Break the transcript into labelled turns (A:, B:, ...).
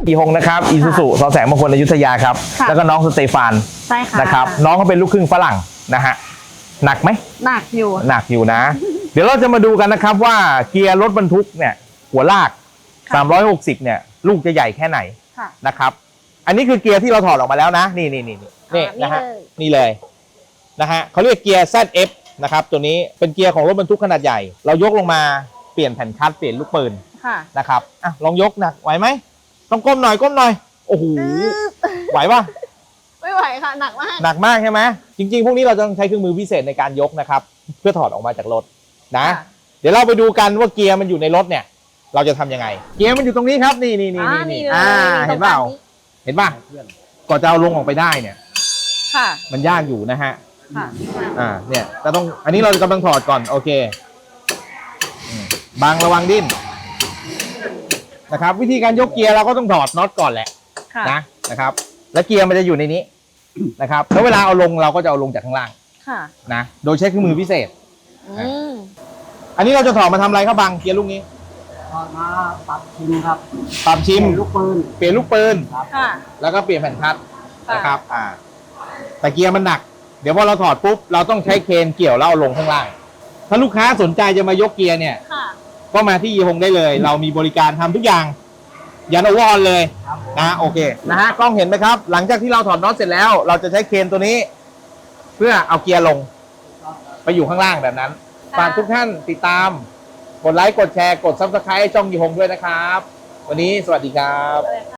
A: อีฮงนะครับอีซูซูสอแสงมงคลอยุธยาครับแล้วก็น้องสเตฟาน
B: ใช่ค่ะ
A: นะครับน้องเขาเป็นลูกครึ่งฝรั่งนะฮะหนักไหม
B: หนักอยู่
A: นะ เดี๋ยวเราจะมาดูกันนะครับว่าเกียร์รถบรรทุกเนี่ยหัวลาก360เนี่ยลูกจะใหญ่แค่ไหนนะครับอันนี้คือเกียร์ที่เราถอดออกมาแล้วนะนี่นะฮะนี่เลยนะฮะเขาเรียกเกียร์ ZF นะครับตัวนี้เป็นเกียร์ของรถบรรทุกขนาดใหญ่เรายกลงมาเปลี่ยนแผ่นคัสเปลี่ยนลูกปืนนะครับอ่ะลองยกหนักไหวไหมต้องก้มหน่อยโอ้โหไหวปะ
B: ไม่ไหวค่ะหนัก
A: มากใช่ไหมจริงๆพวกนี้เราจะต้องใช้เครื่องมือพิเศษในการยกนะครับเพื่อถอดออกมาจากรถนะเดี๋ยวเราไปดูกันว่าเกียร์มันอยู่ในรถเนี่ยเราจะทำยังไงเกียร์มันอยู่ตรงนี้ครับนี่เห็นเปล่าก่อนจะเอาลงออกไปได้เนี่ยมันยากอยู่นะฮะเนี่ยเราต้องอันนี้เรากำลังถอดก่อนโอเคบังระวังดิ้นนะครับวิธีการยกเกียร์เราก็ต้องถอดน็อตก่อนแหละนะครับแล้วเกียร์มันจะอยู่ในนี้นะครับแล้วเวลาเอาลงเราก็จะเอาลงจากข้างล่างนะโดยใช้เครื่องมือพิเศษอันนี้เราจะถอดมาทำอะไรครับบังเกียร์ลูกนี้
C: ถอดมาปรับชิมครับ
A: ปรับชิม
C: เปลี่ยนลูกปืน
A: ครับแล้วก็เปลี่ยนแผ่นคัสนะครับแต่เกียร์มันหนักเดี๋ยวพอเราถอดปุ๊บเราต้องใช้เครนเกี่ยวแล้วเอาลงข้างล่างถ้าลูกค้าสนใจจะมายกเกียร์เนี่ยก็มาที่ยีฮงได้เลยเรามีบริการทำทุกอย่างยันอวอนเลยนะโอเคนะฮะกล้องเห็นไหมครับหลังจากที่เราถอดน็อตเสร็จแล้วเราจะใช้เครนตัวนี้เพื่อเอาเกียร์ลงไปอยู่ข้างล่างแบบนั้นฝากทุกท่านติดตามกดไลค์กดแชร์กด Subscribe ช่องยีฮงด้วยนะครับวันนี้สวัสดีครับ